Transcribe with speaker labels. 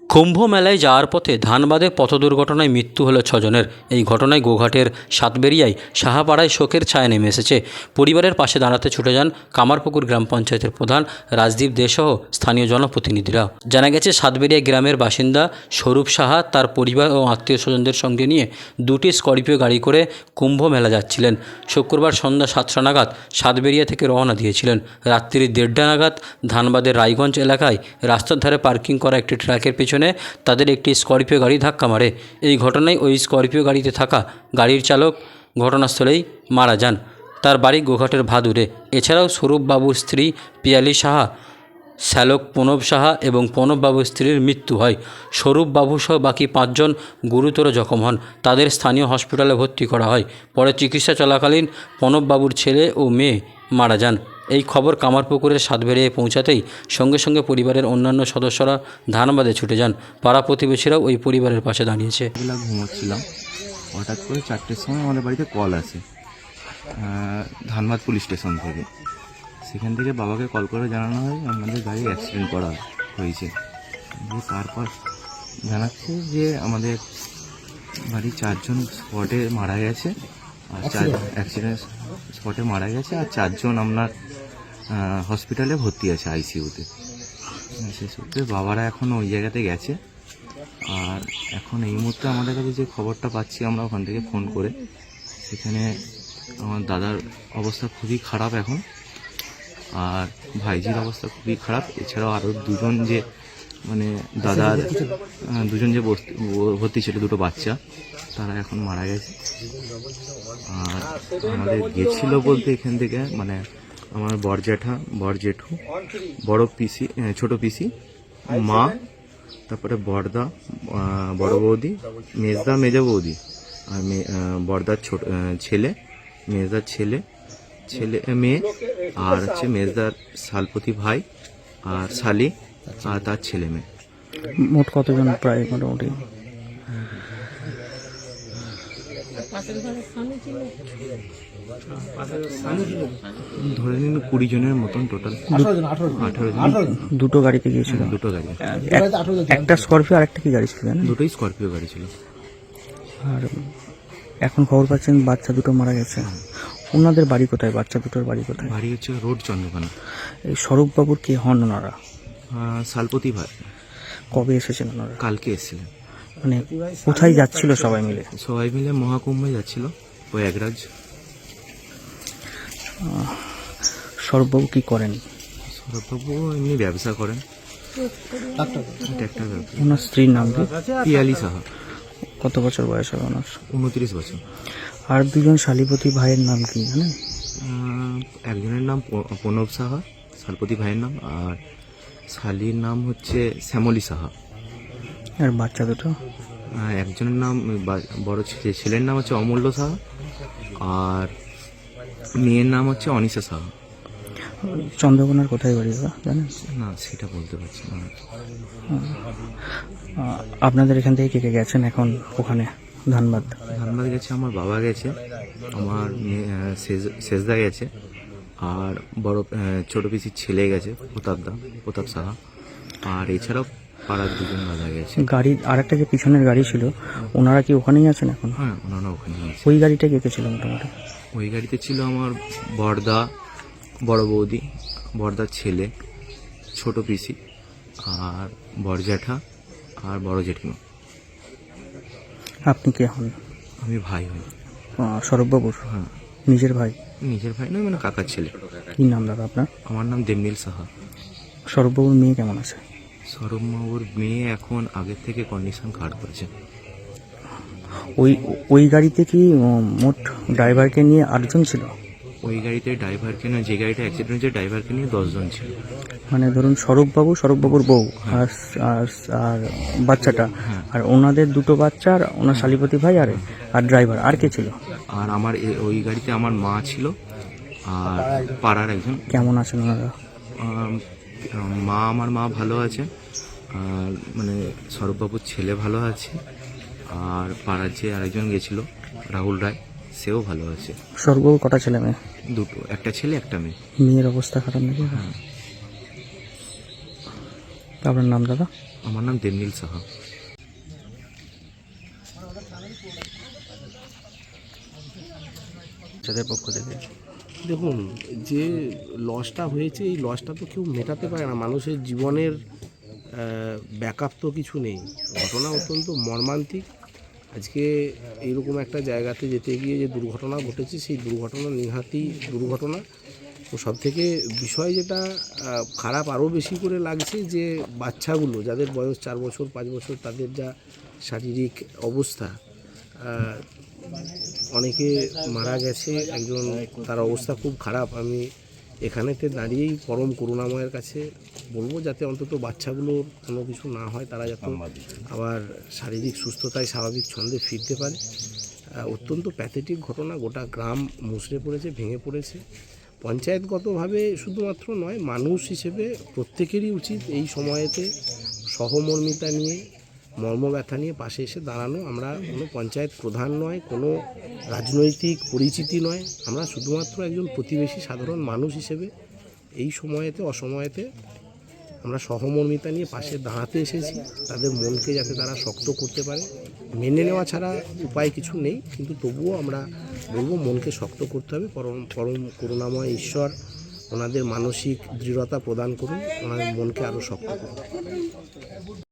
Speaker 1: কুম্ভ মেলায় যাওয়ার পথে ধানবাদে পথ দুর্ঘটনায় মৃত্যু হলো 6 জনের। এই ঘটনায় গোঘাটের সাতবেরিয়ায় সাহাপাড়ায় শোকের ছায়া নেমে এসেছে। পরিবারের পাশে দাঁড়াতে ছুটে যান কামারপুকুর গ্রাম পঞ্চায়েতের প্রধান রাজদীপ দে সহ স্থানীয় জনপ্রতিনিধিরা। জানা গেছে, সাতবেরিয়া গ্রামের বাসিন্দা স্বরূপ সাহা তার পরিবার ও আত্মীয় স্বজনদের সঙ্গে নিয়ে দুটি স্করপিও গাড়ি করে কুম্ভ মেলা যাচ্ছিলেন। শুক্রবার সন্ধ্যা 7টা নাগাদ সাতবেরিয়া থেকে রওনা দিয়েছিলেন। রাত্রি 1:30 নাগাদ ধানবাদের রায়গঞ্জ এলাকায় রাস্তার ধারে পার্কিং করা একটি ট্রাকের পেছনে তাদের একটি স্করপিও গাড়ি ধাক্কা মারে। এই ঘটনায় ওই স্করপিও গাড়িতে থাকা গাড়ির চালক ঘটনাস্থলেই মারা যান। তার বাড়ি গোঘাটের ভাদুরে। এছাড়াও স্বরূপবাবুর স্ত্রী পিয়ালি সাহা, শ্যালক প্রণব সাহা এবং প্রণববাবুর স্ত্রীর মৃত্যু হয়। স্বরূপবাবু সহ বাকি 5 জন গুরুতর জখম হন। তাদের স্থানীয় হসপিটালে ভর্তি করা হয়। পরে চিকিৎসা চলাকালীন প্রণববাবুর ছেলে ও মেয়ে মারা যান। এই খবর কামারপুকুরের সাতবেরিয়ায় পৌঁছাতেই সঙ্গে সঙ্গে পরিবারের অন্যান্য সদস্যরা ধানবাদে ছুটে যান। পাড়া প্রতিবেশীরাও ওই পরিবারের পাশে দাঁড়িয়েছে।
Speaker 2: ঘুমোচ্ছিলাম, হঠাৎ করে 4টের সময় আমাদের বাড়িতে কল আসে ধানবাদ পুলিশ স্টেশন থেকে। সেখান থেকে বাবাকে কল করে জানানো হয় আমাদের গাড়ি অ্যাক্সিডেন্ট করা হয়েছে। তারপর জানাচ্ছে যে আমাদের বাড়ির 4 জন স্পটে মারা গেছে, আর অ্যাক্সিডেন্ট স্পটে মারা গেছে, আর 4 জন আপনার হসপিটালে ভর্তি আছে আইসিইউতে। সে সূত্রে বাবারা এখন ওই জায়গাতে গেছে। আর এখন এই মুহূর্তে আমাদের কাছে যে খবরটা পাচ্ছি আমরা ওখান থেকে ফোন করে, সেখানে আমার দাদার অবস্থা খুবই খারাপ এখন, আর ভাইজির অবস্থা খুবই খারাপ। এছাড়াও আরও 2 জন যে মানে দাদার 2 জন যে ভর্তি ছিল, 2টো বাচ্চা, তারা এখন মারা গেছে। আর আমাদের গেছিল বলতে এখান থেকে মানে আমার বরজেঠু, বড় পিসি, ছোট পিসি, মা, তারপরে বড়দা, বড় বৌদি, মেজদা, মেজো বৌদি, আর বড়দার ছোট ছেলে, মেজদার মেয়ে, আর হচ্ছে মেজদার শালপতি ভাই আর শালি আর তার ছেলে মেয়ে।
Speaker 3: মোট কতজন? প্রায় মোটামুটি
Speaker 2: ধরে নিন 20 জনের মতন টোটাল। 18 জন।
Speaker 3: দুটো গাড়িতে গিয়েছিল?
Speaker 2: দুটো গাড়ি,
Speaker 3: একটা স্করপিও আর একটা কি গাড়ি ছিল?
Speaker 2: দুটোই স্করপিও গাড়ি ছিল।
Speaker 3: আর এখন খবর পাচ্ছেন বাচ্চা দুটো মারা গেছে। ওনাদের বাড়ি কোথায়? বাচ্চা দুটোর বাড়ি কোথায়?
Speaker 2: বাড়ি হচ্ছে রোড চন্দ্রকোনা।
Speaker 3: এই স্বরূপবাবুর কে হন ওনারা?
Speaker 2: শালপতি ভাই।
Speaker 3: কবে এসেছেন ওনারা?
Speaker 2: কালকে এসেছিলেন।
Speaker 3: মানে কোথায় যাচ্ছিল সবাই মিলে?
Speaker 2: সবাই মিলে মহাকুম্ভে যাচ্ছিল প্রয়াগরাজ।
Speaker 3: স্বরূপবাবু কি করেন?
Speaker 2: সৌরভবাবু এমনি ব্যবসা করেন, ট্র্যাক্টর ব্যবসা।
Speaker 3: ওনার স্ত্রীর নাম কি?
Speaker 2: পিয়ালি সাহা।
Speaker 3: কত বছর বয়স হবে ওনার?
Speaker 2: 29 বছর।
Speaker 3: আর 2 জন শালীপতি ভাইয়ের নাম কি জানেন?
Speaker 2: একজনের নাম প্রণব সাহা, শালপতি ভাইয়ের নাম, আর শালির নাম হচ্ছে শ্যামলী সাহা।
Speaker 3: আর বাচ্চা দুটো?
Speaker 2: একজনের নাম বড় ছেলের নাম হচ্ছে অমূল্য সাহা, আর মেয়ের নাম হচ্ছে অনিশা সাহা।
Speaker 3: চন্দ্রকোনার কোথায় বাড়ি জানেন?
Speaker 2: না, সেটা বলতে পারছি না।
Speaker 3: আপনাদের এখান থেকে কে কে গেছেন এখন ওখানে ধানবাদ?
Speaker 2: ধানবাদ গেছে আমার বাবা গেছে, আমার শেষদা গেছে, আর বড় ছোট পিসির ছেলে গেছে প্রতাপ সাহা, আর এছাড়াও পাড়ার 2 জন দাদা গেছে।
Speaker 3: গাড়ি আর একটা যে পিছনের গাড়ি ছিল, ওনারা কি ওখানেই আছেন এখন?
Speaker 2: হ্যাঁ, ওনারা ওখানেই আছে।
Speaker 3: ওই গাড়িটা কে কে ছিল মোটামুটি?
Speaker 2: ওই গাড়িতে ছিল আমার বড়দা, বড় বৌদি, বড়দার ছেলে, ছোট পিসি, আর বড় জ্যাঠা আর বড় জেঠিমা।
Speaker 3: আপনি কে হন?
Speaker 2: আমি ভাই হই।
Speaker 3: স্বরূপবাবুর?
Speaker 2: হ্যাঁ।
Speaker 3: নিজের ভাই?
Speaker 2: নিজের ভাই নয়, মানে কাকার ছেলে।
Speaker 3: কি নাম দাদা আপনার?
Speaker 2: আমার নাম দেবনীল সাহা।
Speaker 3: স্বরূপবাবুর মেয়ে কেমন আছে?
Speaker 2: সৌরভবাবুর মেয়ে এখন আগের থেকে কন্ডিশন খারাপ আছে।
Speaker 3: ওই গাড়িতে কি মোট ড্রাইভারকে নিয়ে 8 জন ছিল?
Speaker 2: ওই গাড়িতে ড্রাইভারকে না, যে গাড়িটা অ্যাক্সিডেন্ট হয়েছে ড্রাইভারকে নিয়ে 10 জন ছিল।
Speaker 3: মানে ধরুন স্বরূপবাবুর বউ আর বাচ্চাটা, আর ওনাদের 2টো বাচ্চা, আর ওনার শালীপতি ভাই, আর ড্রাইভার, আর কে ছিল?
Speaker 2: আর আমার ওই গাড়িতে আমার মা ছিল, আর পাড়ার একজন।
Speaker 3: কেমন আছেন ওনারা?
Speaker 2: আমার মা ভালো আছে, আর মানে স্বরূপবাবুর ছেলে ভালো আছে, আর পাড়ার যে আরেকজন গেছিল রাহুল রায়, সেও ভালো আছে।
Speaker 3: স্বরূপবাবুর কটা ছেলে মেয়ে?
Speaker 2: 2টো, একটা ছেলে একটা মেয়ে।
Speaker 3: মেয়ের অবস্থা খারাপ নাকি?
Speaker 2: হ্যাঁ।
Speaker 3: আপনার নাম দাদা?
Speaker 2: আমার নাম দেবনীল সাহা।
Speaker 3: যাদের পক্ষ থেকে
Speaker 4: দেখুন, যে লসটা হয়েছে এই লসটা তো কেউ মেটাতে পারে না। মানুষের জীবনের ব্যাকআপ তো কিছু নেই। ঘটনা অত্যন্ত মর্মান্তিক। আজকে এইরকম একটা জায়গাতে যেতে গিয়ে যে দুর্ঘটনা ঘটেছে, সেই দুর্ঘটনা নিহাতি দুর্ঘটনা। তো সবথেকে বিষয় যেটা খারাপ আরও বেশি করে লাগছে, যে বাচ্চাগুলো যাদের বয়স 4 বছর 5 বছর, তাদের যা শারীরিক অবস্থা, অনেকে মারা গেছে, একজন তার অবস্থা খুব খারাপ। আমি এখানেতে দাঁড়িয়েই পরম করুণাময়ের কাছে বলবো যাতে অন্তত বাচ্চাগুলোর কোনো কিছু না হয়, তারা যাতে আবার শারীরিক সুস্থতায় স্বাভাবিক ছন্দে ফিরতে পারে। অত্যন্ত প্যাথেটিক ঘটনা। গোটা গ্রাম মুষড়ে পড়েছে, ভেঙে পড়েছে। পঞ্চায়েতগতভাবে শুধুমাত্র নয়, মানুষ হিসেবে প্রত্যেকেরই উচিত এই সময়েতে সহমর্মিতা নিয়ে, মর্মব্যথা নিয়ে পাশে এসে দাঁড়ানো। আমরা কোনো পঞ্চায়েত প্রধান নয়, কোনো রাজনৈতিক পরিচিতি নয়, আমরা শুধুমাত্র একজন প্রতিবেশী সাধারণ মানুষ হিসেবে এই সময়েতে অসময়েতে আমরা সহমর্মিতা নিয়ে পাশে দাঁড়াতে এসেছি। তাদের মনকে যাতে তারা শক্ত করতে পারে, মেনে নেওয়া ছাড়া উপায় কিছু নেই, কিন্তু তবুও আমরা বলবো মনকে শক্ত করতে হবে। পরম করুণাময় ঈশ্বর ওনাদের মানসিক দৃঢ়তা প্রদান করুন, ওনাদের মনকে আরও শক্ত করুন।